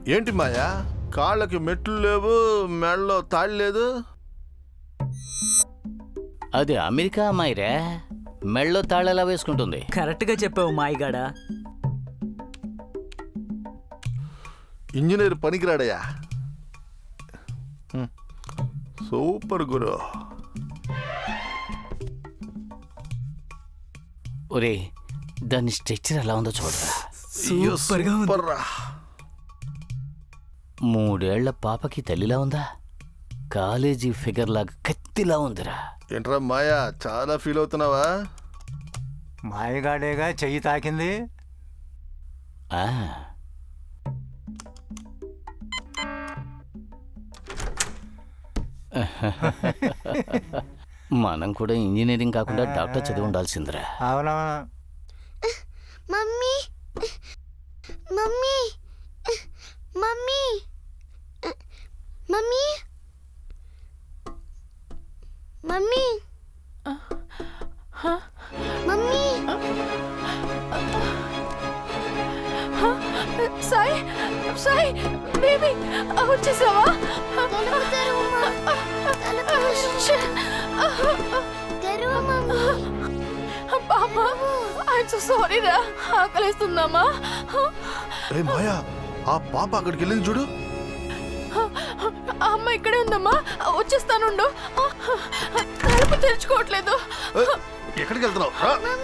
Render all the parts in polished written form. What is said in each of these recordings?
ఏంటి మాయా, కాళ్ళకి మెట్లు లేవు, మెడలో తాళి లేదు? అది అమెరికా అమ్మాయిరే, మెళ్ళో తాళెలా వేసుకుంటుంది? కరెక్ట్ గా చెప్పావు మాయగాడా. ఇంజనీర్ పనికిరాడయ్యా. సూపర్ గురు. ఒరే, దాని స్ట్రెచ్చర్ ఎలా ఉందో చూడరా. సూపర్ రా. 3 ఏళ్ల పాపకి తల్లిలా ఉందా? కాలేజీ ఫిగర్ లాగా కత్తిలా ఉందిరా. ఏంట్రా మాయా, చాలా ఫీల్ అవుతున్నావా? మాయగాడేగా చెయ్యి తాకింది. ఆ, మనం కూడా ఇంజనీరింగ్ కాకుండా డాక్టర్ చదివి ఉండాల్సిందిరా. అవునవును. Mummy mummy mummy mummy mummy mummy Sai Sai baby వచ్చేసావా? పాపా, ఐఎమ్ సో సారీ రా. ఆకలిస్తుందమ్మా. మాయా, ఆ పాప అక్కడికి వెళ్ళింది చూడు. అమ్మ ఇక్కడే ఉందమ్మా, వచ్చేస్తానుండు. తలుపు తెరుచుకోవట్లేదు. ఎక్కడికి వెళ్తున్నావు?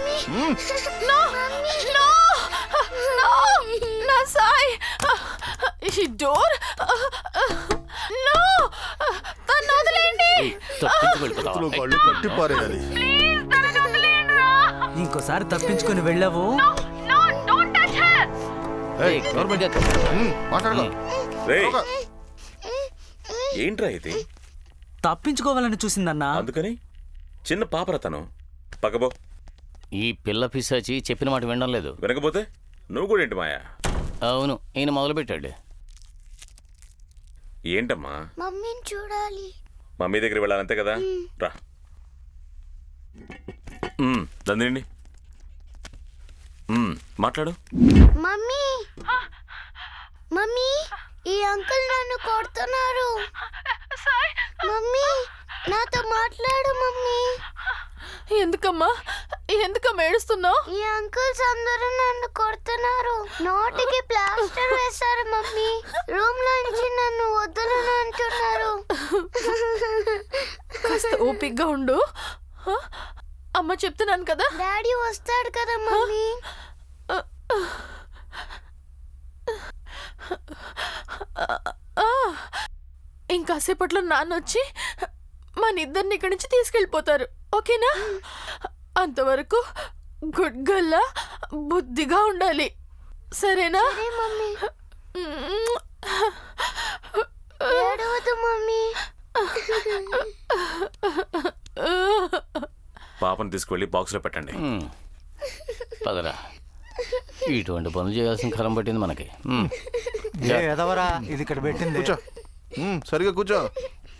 నా సాయి, ఈ డోర్ నో, తను వదిలేండి. కళ్ళు కట్టి పారేయాలి. ఇంకోసారి తప్పించుకొని వెళ్ళావు. ఏంట్రా ఇది? తప్పించుకోవాలని చూసిందన్నా. అందుకని చిన్న పాపరతను పక్కబో. ఈ పిల్ల పిశాచి చెప్పిన మాట వినడం లేదు. వినకపోతే నువ్వు కూడా ఏంటి మాయా? అవును, ఈయన మొదలుపెట్టాడు. ఏంటమ్మా? మమ్మీని చూడాలి. మమ్మీ దగ్గర వెళ్ళాలంతే కదా, రా. దండి మాట్లాడు. మమ్మీ మమ్మీ, ఈ అంకుల్ నన్ను కొడుతున్నారు. మమ్మీ నాతో మాట్లాడు. మమ్మీ ఎందుకమ్మా ఏడుస్తున్నావు? ఈ అంకుల్స్ అందరూ నన్ను కొడుతున్నారు. నోటికి ప్లాస్టర్ వేశారు. మమ్మీ రూమ్ నుంచి నన్ను వదలను అంటున్నారు. కాస్త ఓపిగ్గా ఉండు. అమ్మ చెప్తున్నాను కదా. డాడీ వస్తాడు కదా మమ్మీ. ఇంకాసేపట్లో నాన్న వచ్చి మన ఇద్దరిని ఇక్కడి నుంచి తీసుకెళ్ళిపోతారు. ఓకేనా? అంతవరకు గుడ్ గల్లా బుద్ధిగా ఉండాలి. సరేనా? మమ్మీ ఏడవదు మమ్మీ. పాపను తీసుకువెళ్ళి బాక్స్లో పెట్టండి. పదరా, ఇటువంటి పనులు చేయాల్సిన కాలం పట్టింది మనకి. ఎదవరా ఇది ఇక్కడ పెట్టింది. కూర్చో, సరిగా కూర్చో.